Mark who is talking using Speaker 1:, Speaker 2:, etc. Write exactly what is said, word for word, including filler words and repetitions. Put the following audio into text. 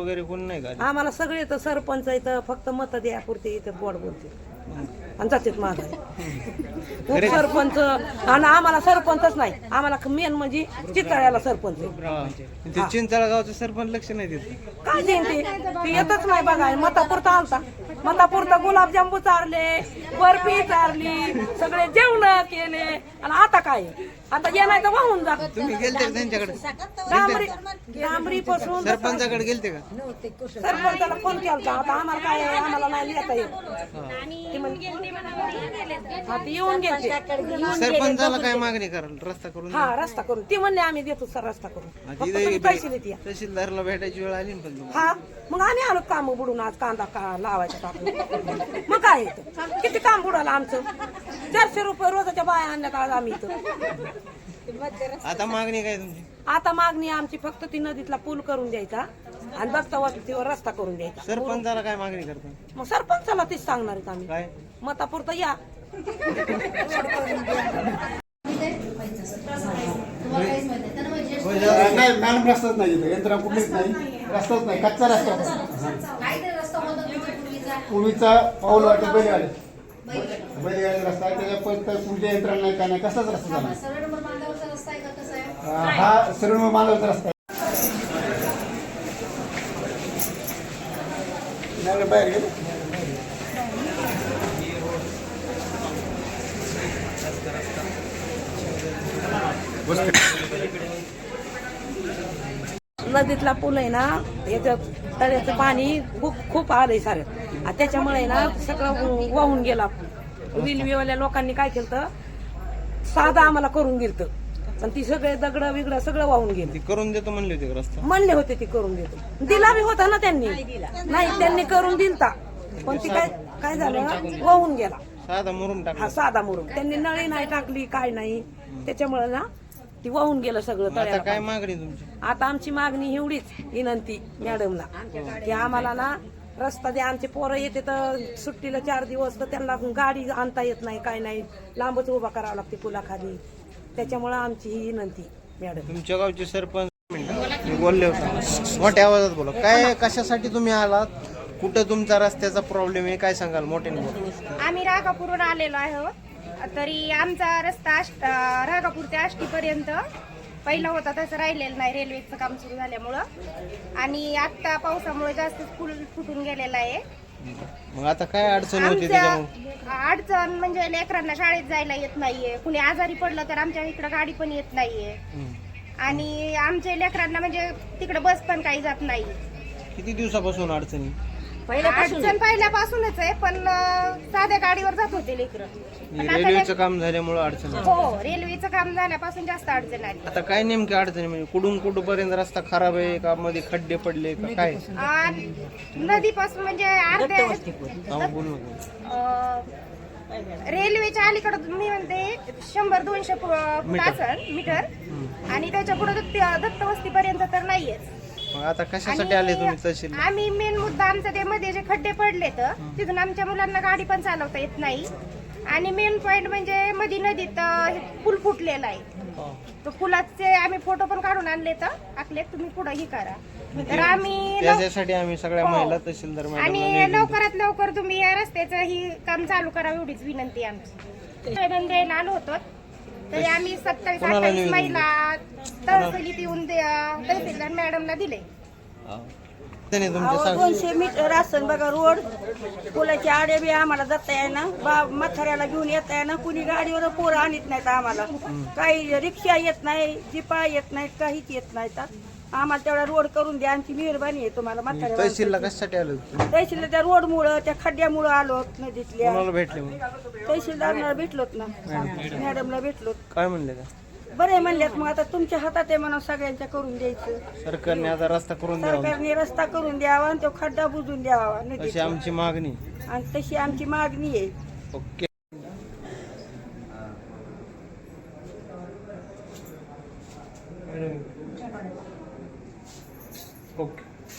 Speaker 1: वगैरे कोण नाही का?
Speaker 2: आम्हाला सगळे तर सरपंच इथं फक्त मत द्यापुरते इथं बोट बोलते आणि जातात माझा सरपंच. आणि आम्हाला सरपंचच नाही, आम्हाला मेन म्हणजे चितळ्याला सरपंच आहे.
Speaker 1: ते चिंचाळा गावचं सरपंच लक्ष नाही देत.
Speaker 2: काय देईन ते येतच नाही बघा. मतापुरता आलता, मतापुरता गुलाबजांबू चारले, बर्फी चारली, सगळे जेवण केले. आणि आता काय, आता जे नाही तर वाहून जा.
Speaker 1: तुम्ही गेलते त्यांच्याकडे?
Speaker 2: डांबरी डांबरी पासून
Speaker 1: सरपंचाकडे गेलते का?
Speaker 2: सरपंचाला फोन केला. आता आम्हाला काय आहे, आम्हाला नाही लिहिता येत. ती म्हण- हा, ती येऊन गेलते.
Speaker 1: सरपंचाला काय मागणी कराल? रस्ता करून द्या.
Speaker 2: हा, रस्ता करून ती म्हणले आम्ही देतो सर रस्ता करून.
Speaker 1: आधी
Speaker 2: फक्त
Speaker 1: इथे
Speaker 2: तुम्ही पैसे देते या.
Speaker 1: तहसीलदारला भेटायची वेळ आली ना पण तुम्हाला.
Speaker 2: हा, मग आम्ही आलो काम बुडून आज कांदा का लावायचा टाकून. मग काय येतं, किती काम बुडालं आमचं. चारशे रुपये रोजाच्या बाया आणण्यात आज आम्ही इथं.
Speaker 1: आता मागणी काय तुमची?
Speaker 2: आता मागणी आमची फक्त ती नदीतला पूल करून द्यायचा आणि बसता वस्तीवर रस्ता करून द्यायचा.
Speaker 1: सरपंचाला काय मागणी करता?
Speaker 2: मग सरपंचाला तीच सांगणार आहेत आम्ही.
Speaker 1: काय
Speaker 2: मतापुरतं या.
Speaker 3: नाही मॅडम, रस्ताच नाही इथं, यंत्रणा कुठलीच नाही, रस्ताच नाही, कच्चा रस्ता. पूर्वीचा पाऊल वाटत बैलगाडी बैलगाडी रस्ता आहे, त्याच्या पण तुमच्या यंत्रणा नाही, काय नाही, कसाच रस्ता झाला. हा सरळ मानवचा रस्ता आहे. मॅडम बाहेर गेले.
Speaker 2: नदीतला पूल आहे ना, याच्यात तळ्याचं पाणी खूप खूप आलंय सारं. त्याच्यामुळे ना सगळं वाहून गेला. रेल्वेवाल्या लोकांनी काय केलं, साधा आम्हाला करून गेलं, पण ती सगळे दगड बिगड सगळं वाहून गेलं.
Speaker 1: ती करून देतो म्हणले होते का रस्ता?
Speaker 2: म्हणले होते ती करून देतो, दिला बी होता ना त्यांनी. नाही, त्यांनी करून दिलता, पण ती काय काय झालं, वाहून गेला.
Speaker 1: साधा मुरुम
Speaker 2: हा,
Speaker 1: टाकला.
Speaker 2: साधा मुरुम. त्यांनी नळी नाही टाकली, काय नाही, त्याच्यामुळे ना ती वाहून गेलं सगळं
Speaker 1: आता
Speaker 2: तळ्याला.
Speaker 1: काय मागणी तुमची?
Speaker 2: आता आमची मागणी एवढीच विनंती मॅडमला की आम्हाला ना रस्ता द्या. आमचे पोरं येते तर सुट्टीला चार दिवस, तर त्यांना गाडी आणता येत नाही, काय नाही, लांबच उभा करावं लागते पुलाखाली. त्याच्यामुळे आमची ही विनंती मॅडम.
Speaker 1: तुमच्या गावचे सरपंच मी बोलले होते, मोठ्या आवाजात बोला. काय कशासाठी तुम्ही आलात? कुठं तुमचा रस्त्याचा प्रॉब्लेम आहे, काय सांगाल? मोठ्याने बोला.
Speaker 4: आम्ही रागापूरहून आलेलो आहोत. तरी आमचा रस्ता आष्ट रागापूर ते आष्टीपर्यंत पहिला होता तसं राहिलेलं नाही, रेल्वेचं काम सुरू झाल्यामुळं. आणि आता पावसामुळे जास्त पूल फुटून गेलेला आहे.
Speaker 1: मग आता काय अडचण होती
Speaker 4: आमच्या
Speaker 1: त्याच्यामुळे?
Speaker 4: अडचण म्हणजे लेकरांना शाळेत जायला येत नाहीये, कुणी आजारी पडलं तर आमच्या इकडं गाडी पण येत नाहीये. आणि आमच्या लेकरांना म्हणजे तिकडे बस पण काही जात नाही.
Speaker 1: किती दिवसापासून अडचणी?
Speaker 4: अडचण पहिल्यापासूनच आहे, पण अं, साध्या गाडीवर जात होते लेकरं. पण आता
Speaker 1: रेल्वेचं काम झाल्यामुळे अडचण आहे.
Speaker 4: हो, रेल्वेचं काम झाल्यापासून जास्त अडचण आली.
Speaker 1: आता काय नेमकी अडचणी म्हणजे कुठून कुठपर्यंत रस्ता खराब आहे का, मध्ये खड्डे पडले का काय?
Speaker 4: आ, नदीपासून म्हणजे अर्ध्या
Speaker 1: हा, बोल नको.
Speaker 4: अ, रेल्वेच्या अलीकडे मी म्हणते शंभर दोनशे फूट असेल मीटर, आणि त्याच्या पुढे दत्त वस्तीपर्यंत तर नाहीयेच.
Speaker 1: मग आता कशासाठी आले तुम्ही तहसील?
Speaker 4: आम्ही मेन मुद्दा आमचा ते मध्ये जे खड्डे पडले तर तिथून आमच्या मुलांना गाडी पण चालवता येत नाही. आणि मेन पॉइंट म्हणजे मध्ये नदीत अ, पूल फुटलेला आहे. तो पुलाचे आम्ही फोटो पण काढून आणले तर आखले, तुम्ही पुढे ही करा. तर आम्ही लव-
Speaker 1: त्याच्यासाठी आम्ही सगळ्या
Speaker 4: हो.
Speaker 1: महिला तहसीलदार
Speaker 4: आणि
Speaker 1: मॅडम
Speaker 4: लवकरात लवकर तुम्ही या रस्त्याचं ही काम चालू करावं एवढीच विनंती आहे आमची. निवेदन द्यायला आलो होतो, तरी आम्ही सत्तावीस
Speaker 1: कोणाला
Speaker 4: अठ्ठावीस
Speaker 1: निवेदन
Speaker 4: महिला तहसीलीत येऊन दे- तहसीलदार मॅडमला दिले.
Speaker 1: तुमच्या सांग.
Speaker 5: दोनशे मीटर असन बघा रोड, पुलाच्या आडे बी आम्हाला जाता येईना, बा म्हाताऱ्याला घेऊन येता येईना, कुणी गाडीवर पोरं आणत नाहीत आम्हाला. काही रिक्षा येत नाही, जिपा येत नाहीत, काहीच येत नाहीत. आम्हाला तेवढा रोड करून द्या, आमची मेहरबानी आहे तुम्हाला. म्हाताऱ्या
Speaker 1: तहसीलला कशासाठी आलो तुम्ही?
Speaker 5: तहसीलला त्या रोडमुळं, त्या खड्ड्यामुळं आलो नदीतल्या.
Speaker 1: कोणाला भेटले मग?
Speaker 5: तहसीलदारला भेटलोत ना, मॅडमला भेटलोत.
Speaker 1: काय म्हणले का?
Speaker 5: बरे म्हणल्यात. मग आता तुमच्या हातात आहे म्हणून सगळ्यांच्या करून द्यायचं.
Speaker 1: सरकारने आता रस्ता करून द्यावा
Speaker 5: सरकारने रस्ता करून द्यावा आणि तो खड्डा बुजून द्यावा
Speaker 1: अशी
Speaker 5: नदीचा,
Speaker 1: आमची मागणी.
Speaker 5: आणि तशी आमची मागणी आहे.
Speaker 1: ओके.